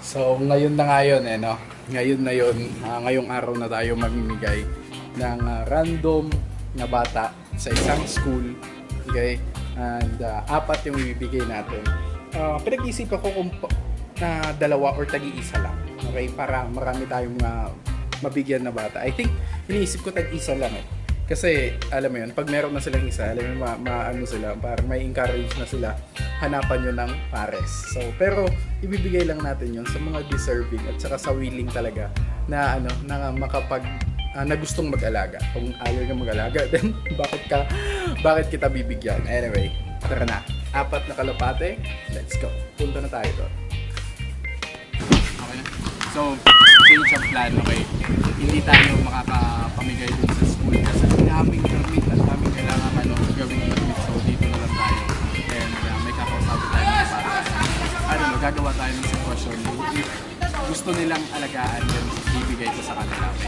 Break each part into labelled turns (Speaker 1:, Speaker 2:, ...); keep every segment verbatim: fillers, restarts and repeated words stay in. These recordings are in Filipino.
Speaker 1: So, ngayon na ngayon eh, no? Ngayon na yun, uh, ngayong araw na tayo mamimigay ng uh, random na bata sa isang school. Okay? And uh, apat yung ibibigay natin. Uh, pinag-iisipan ko kung na uh, dalawa or tagi-isa lang. Okay? Para marami tayong uh, mabigyan na bata. I think, iniisip ko tag-isa lang eh. Kasi, alam mo yun, pag meron na silang isa, alam mo, ma, ma ano sila, para may encourage na sila, hanapan yun ng pares. So, pero, ibibigay lang natin yun sa mga deserving at saka sa willing talaga na, ano, na makapag, uh, na gustong mag-alaga. Kung ayaw ka mag-alaga, then, bakit ka, bakit kita bibigyan? Anyway, tara na. Apat na kalapate, let's go. Punta na tayo doon. Okay na. So, change of plan, okay? Hindi tayo makakapamigay dun sa school kasi daming permit at daming kailangan ano, gawing permit. So, dito na lang tayo. And uh, may kakausapin tayo ng para. Ano, magagawa tayo ng sitwasyon. If gusto nilang alagaan, then ibigay ko sa kanila. Okay?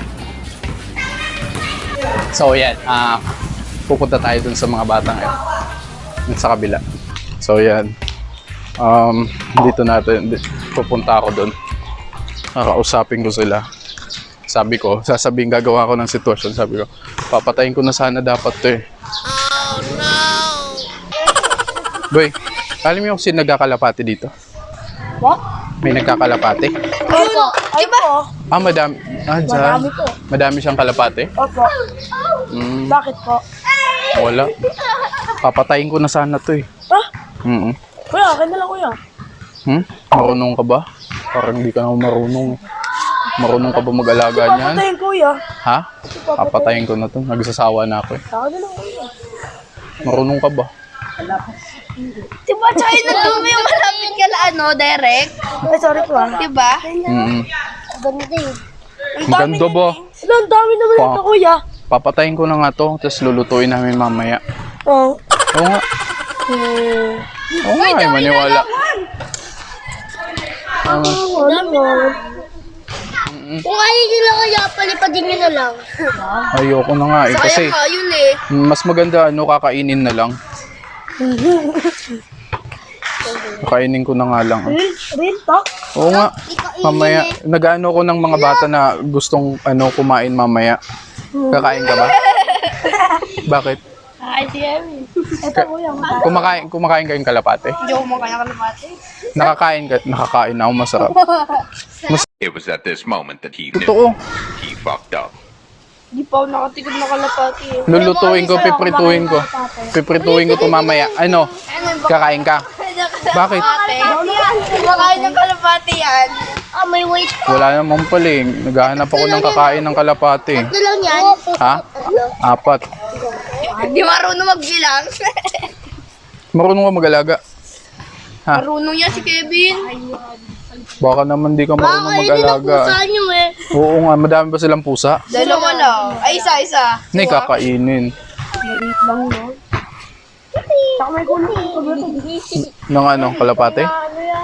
Speaker 1: So, yan. Uh, pupunta tayo dun sa mga batang yan. Dun sa kabila. So, yan. Um, dito natin. Pupunta ako dun. Nakausapin ko sila. Sabi ko, sasabihin gagawa ko ng sitwasyon. Sabi ko, papatayin ko na sana dapat to eh. Oh no! Boy, alam mo yung sino nagkakalapati dito?
Speaker 2: What?
Speaker 1: May nagkakalapati?
Speaker 2: Opo. Ay po.
Speaker 1: Ah, madami. Ah, dyan.
Speaker 2: Madami po.
Speaker 1: Madami siyang kalapati?
Speaker 2: Opo.
Speaker 1: Mm,
Speaker 2: Bakit po?
Speaker 1: wala. Papatayin ko na sana to eh.
Speaker 2: Ah?
Speaker 1: Mm-mm.
Speaker 2: Kuya, akin na lang kuya.
Speaker 1: Hmm? Marunong ka ba? Parang hindi ka na marunong eh. Marunong ka ba mag-alaga niyan?
Speaker 2: Papatayin kuya.
Speaker 1: Ha? Papatayin ko na to. Nagsasawa na ako eh.
Speaker 2: Akin na lang kuya.
Speaker 1: Marunong ka ba?
Speaker 3: Diba, tsaka yun nagturo yung malapit ka na ano, direct?
Speaker 2: Ay, sorry po ah.
Speaker 3: Diba?
Speaker 1: Mm-mm.
Speaker 3: Ganda eh.
Speaker 1: Maganda ba?
Speaker 2: Sila, ang dami naman
Speaker 1: Pa-
Speaker 2: ito kuya.
Speaker 1: Papatayin ko na nga to, tapos lulutuin namin mamaya.
Speaker 2: Oh.
Speaker 1: Oo nga.
Speaker 2: Hmm.
Speaker 1: Oo nga, ay maniwala. Ah,
Speaker 2: Wala naman.
Speaker 3: Kung ayaw nyo lang kaya, palipadin nyo na lang.
Speaker 1: ayoko na nga eh. Kasi
Speaker 3: Kaya ka yun eh.
Speaker 1: mas maganda ano, kakainin na lang. Kakainin ko na nga lang. ah.
Speaker 2: Real, real talk?
Speaker 1: Oo nga. Mamaya, nag-ano ko ng mga bata na gustong ano kumain mamaya. Kakain ka ba? Bakit?
Speaker 3: Ay, sige.
Speaker 2: Ito kuya.
Speaker 1: Kumakain, kumakain kayong kalapate?
Speaker 3: Hindi ako makaya ka na mati.
Speaker 1: Nakakain ka, nakakain ako, masarap.
Speaker 4: It was at this moment that he knew
Speaker 1: Totoo.
Speaker 4: he fucked up.
Speaker 3: Di pa ako nakatikod na kalapati eh.
Speaker 1: Lulutuin ko, piprituin ko. Piprituin ko to mamaya. Ano? Kakain ka? Bakit?
Speaker 3: Kumakain ng kalapati yan. Ah, may weight.
Speaker 1: Wala naman pala eh. Naghahanap ako ng kakain ng kalapate.
Speaker 3: Ito lang yan.
Speaker 1: Ha? Apat.
Speaker 3: Di marunong magbilang.
Speaker 1: Marunong ka mag-alaga? Ha?
Speaker 3: Marunong yan si Kevin.
Speaker 1: Baka naman di ka marunong mag-alaga.
Speaker 3: nyo eh.
Speaker 1: Oo nga, madami ba silang pusa?
Speaker 3: Dalawa lang. Ay, isa, isa.
Speaker 1: Hindi, kakainin.
Speaker 2: Maliit lang no. Tsaka may kulo.
Speaker 1: Ng ano, kalapate?
Speaker 2: Ano yan?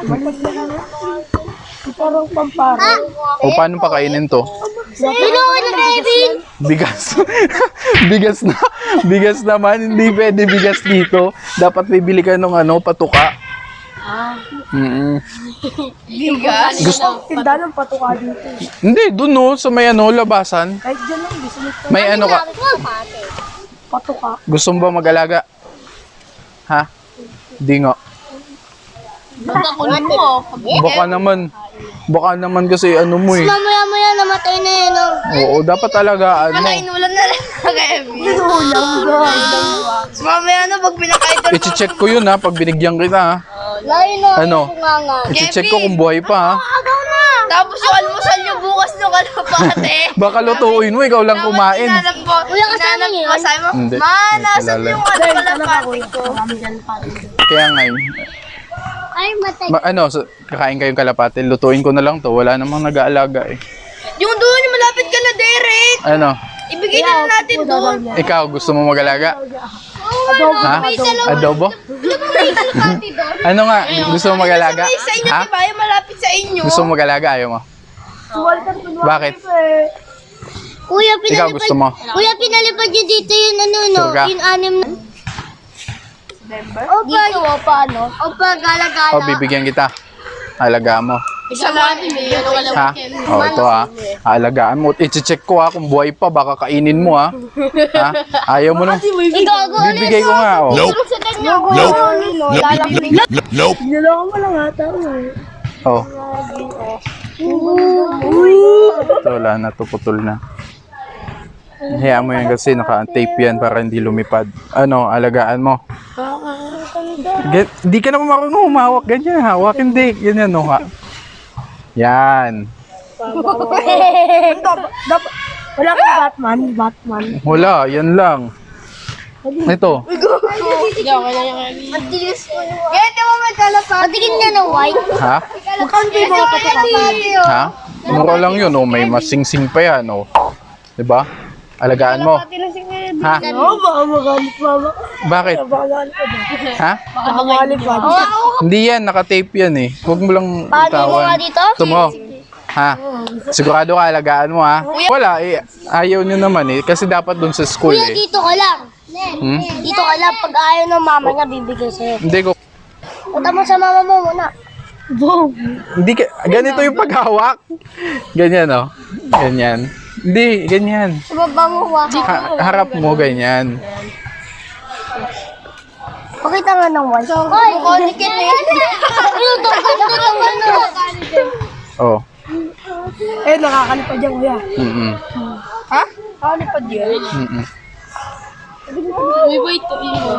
Speaker 2: Parang pampara.
Speaker 1: O paano pakainin to?
Speaker 3: Tulungan na Kevin.
Speaker 1: Bigas. Bigas na. Bigas naman. Hindi pwede bigas dito. Dapat bibili ka ng ano, patuka.
Speaker 2: Ah.
Speaker 1: Mm-mm.
Speaker 3: Bigas.
Speaker 1: Gusto,
Speaker 2: Tinda ng patuka dito.
Speaker 1: hindi, dun no, sa may ano, labasan.
Speaker 2: Kahit dyan lang, gusto nito.
Speaker 1: May ano ka,
Speaker 2: Patuka.
Speaker 1: gusto mo ba mag-alaga? Ha? Di nga.
Speaker 3: Bakunin mo.
Speaker 1: Baka naman. Baka naman kasi ano mo eh.
Speaker 3: Mamaya-maya namatay na yun. Oh.
Speaker 1: Oo, dapat alagaan mo.
Speaker 3: Wala, inulan na lang Kevin.
Speaker 2: Ulam
Speaker 3: So, mamaya na, pag pinakain doon.
Speaker 1: I-check ko yun ha, pag binigyan kita ha.
Speaker 3: Layo na.
Speaker 1: Ano? I-check ko kung buhay pa ha.
Speaker 3: Agaw na. Tapos yung almusal nyo bukas ng kalapate.
Speaker 1: Baka lutuin mo, ikaw lang kumain.
Speaker 3: Inanap ko. Kuya, kasama niyo yun? Sabi mo,
Speaker 1: Hindi.
Speaker 3: ma, nasan
Speaker 1: Kilala.
Speaker 3: yung ano kalapate ko?
Speaker 1: Kaya nga yun.
Speaker 3: Ay, matay.
Speaker 1: Ma- ano, so, kakain kayong kalapate, lutuin ko na lang to. Wala namang nag-aalaga eh.
Speaker 3: Yung doon, yung malapit ka na, Derek.
Speaker 1: Ano,
Speaker 3: Ibigay na lang natin doon.
Speaker 1: ikaw gusto mo mag-alaga? Ha? Adobo? Ano nga, gusto mo mag-alaga?
Speaker 3: May sa inyo,
Speaker 1: Ha?
Speaker 3: diba? Yung malapit sa inyo.
Speaker 1: Gusto mo mag-alaga? Ayaw mo? Bakit?
Speaker 3: Kuya,
Speaker 1: Ikaw gusto mo?
Speaker 3: Kuya, pinalipad nyo dito yung ano, no?
Speaker 1: Sure ka?
Speaker 3: Yung anim na... Opa, dito, paano? Opa, gala-gala.
Speaker 1: O, bibigyan kita. Alaga mo.
Speaker 3: Isa natin eh. Ano ka lang.
Speaker 1: Ha? Oh, ito ha. Alagaan mo. I-check ko ha kung buhay pa. Baka kainin mo ha. Ha? Ayaw mo nung... Bibigay ko nga. Oh.
Speaker 3: Tulog sa kanya.
Speaker 2: Nope.
Speaker 5: Nope.
Speaker 2: Niloko mo lang ata.
Speaker 1: Oh. Ito, wala na to. Putol na. Hayaan mo yan kasi naka-tape yan para hindi lumipad. Ano, alagaan mo. Gan hindi ka naman marunong humawak. Ganyan, hawak. Hindi. Ganyan, no, ha. Yan.
Speaker 2: Dapat, wala kang Batman, Batman.
Speaker 1: Wala, yan lang. Ito.
Speaker 3: Matilis mo naman. Ganito mo may kalapati. Patigin niya ng white.
Speaker 1: Ha?
Speaker 2: Magkano yung mga kalapati?
Speaker 1: Ha? Mura lang yun, oh. May masingsing pa yan, oh. Diba? Alagaan mo. Ha?
Speaker 2: Oo, baka magalit mama.
Speaker 1: Bakit?
Speaker 2: Baka magalit pa ba?
Speaker 1: Ha?
Speaker 2: Baka magalit pa.
Speaker 1: Hindi yan, naka-tape yan eh. Huwag mo lang itawan. Ito mo. Ha? Sigurado ka, alagaan mo ha? Wala eh. Ayaw nyo naman eh. Kasi dapat dun sa school
Speaker 3: Kuya,
Speaker 1: eh.
Speaker 3: dito ka lang.
Speaker 1: Hmm?
Speaker 3: Dito ka lang. Pag ayaw ng mama niya, bibigay sa'yo.
Speaker 1: Hindi ko.
Speaker 3: Punta mo sa mama mo muna.
Speaker 2: Boom.
Speaker 1: Hindi ka. Ganito yung paghawak. Ganyan oh. Ganyan. Hindi, ganyan.
Speaker 3: Sa baba mo, waka.
Speaker 1: Ha- harap mo, ganyan.
Speaker 3: Pakita nga ng white. Hoy! Konikin na yun. Ano to? Ganito itong ano.
Speaker 1: Oh.
Speaker 2: Eh, nakakalipad yan, kuya.
Speaker 1: Mm-mm.
Speaker 2: Ha? Nakakalipad yan.
Speaker 1: Mm-mm.
Speaker 3: Uy, wait to ino.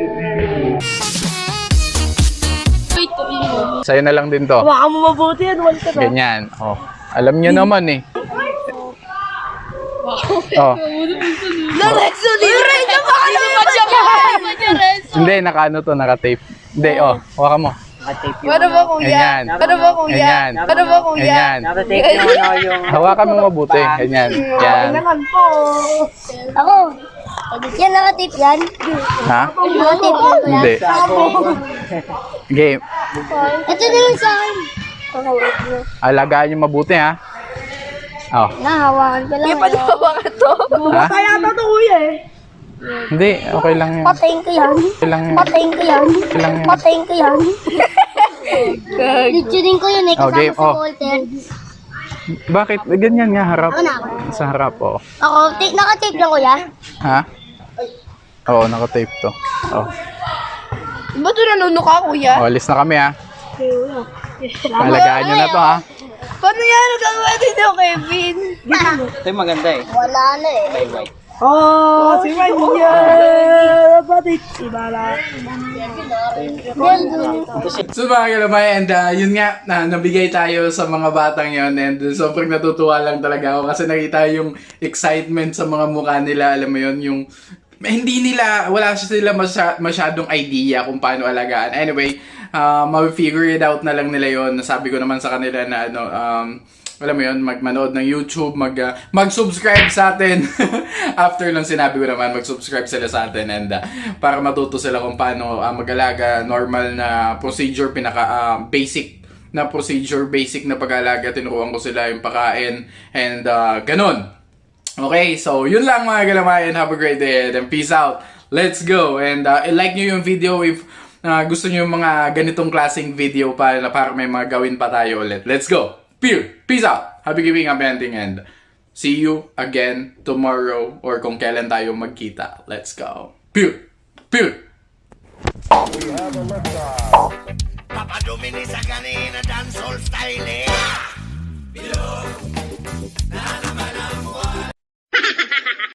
Speaker 3: Wait to ino.
Speaker 1: Sa'yo na lang din to.
Speaker 2: Baka mo mabuti yan, wala ka na.
Speaker 1: Ganyan. Oh. Alam niyo naman eh. Oh.
Speaker 2: Lorenzo, Lorenzo, baka naman siya
Speaker 1: Hindi, naka-ano to, naka-tape. Hindi, oh. Hawakan mo.
Speaker 3: Ano ba kuya?
Speaker 1: Ganyan.
Speaker 3: Ano ba kuya?
Speaker 1: Ganyan.
Speaker 3: Ano ba kuya?
Speaker 1: Ganyan. Hawakan mo mabuti. Ganyan. Yan.
Speaker 2: naman po.
Speaker 3: Ako. Yan, nakatip yan.
Speaker 1: Ha?
Speaker 3: Nakatip yan kuya.
Speaker 1: Hindi. Game.
Speaker 3: Ito na lang sa akin.
Speaker 1: Alagaan niyo mabuti ha. Oh.
Speaker 3: Nahawakan ko lang. Yung
Speaker 2: Hawakan to.
Speaker 1: Ha?
Speaker 2: Kaya to to, kuya eh.
Speaker 1: Hindi, okay lang yan.
Speaker 3: Patayin ko yan.
Speaker 1: Okay lang yan.
Speaker 3: Patayin ko yan.
Speaker 1: Okay lang yan.
Speaker 3: Patayin ko yan. Litunin ko yun eh.
Speaker 1: Oh,
Speaker 3: Kasama
Speaker 1: game.
Speaker 3: sa
Speaker 1: Oh.
Speaker 3: Walter.
Speaker 1: Bakit? Ganyan nga, harap.
Speaker 3: Ako na.
Speaker 1: Sa harap, oh.
Speaker 3: Ako, t- nakatape lang kuya.
Speaker 1: Ha? Oo, nakatape to. Oh.
Speaker 2: Ba't ito nanuno ka, kuya?
Speaker 1: Oh, alis na kami ha. Alagaan niyo na to ha.
Speaker 2: Paano yan? Nagkakawa dito, Kevin?
Speaker 5: Ito yung maganda eh.
Speaker 3: Wala na eh.
Speaker 5: May white.
Speaker 2: Oh, si Manya! Ba't si Bala?
Speaker 1: So mga kalamay, and uh, yun nga, na, nabigay tayo sa mga batang yon and uh, sobrang natutuwa lang talaga ako kasi nakita yung excitement sa mga mukha nila, alam mo yun, yung hindi nila, wala sila masya, masyadong idea kung paano alagaan. Anyway, uh, ma-figure it out na lang nila yon. Nasabi ko naman sa kanila na ano, um, alam mo yun, magmanood ng YouTube, mag, uh, mag-subscribe sa atin. After nung sinabi ko naman, mag-subscribe sila sa atin and uh, para matuto sila kung paano uh, mag-alaga, normal na procedure, pinaka uh, basic na procedure, basic na pag-alaga, tinuruan ko sila yung pakain and uh, ganun. Okay, so yun lang mga galamayan. Have a great day and peace out. Let's go. And uh, like nyo yung video if uh, gusto nyo yung mga ganitong klaseng video para, para may mga gawin pa tayo ulit. Let's go. Peer. Peace out. Happy giving, happy ending, and see you again tomorrow or kung kailan tayo magkita. Let's go. Peer. Peer.
Speaker 6: Papa Domini sa kanina dancehall style eh.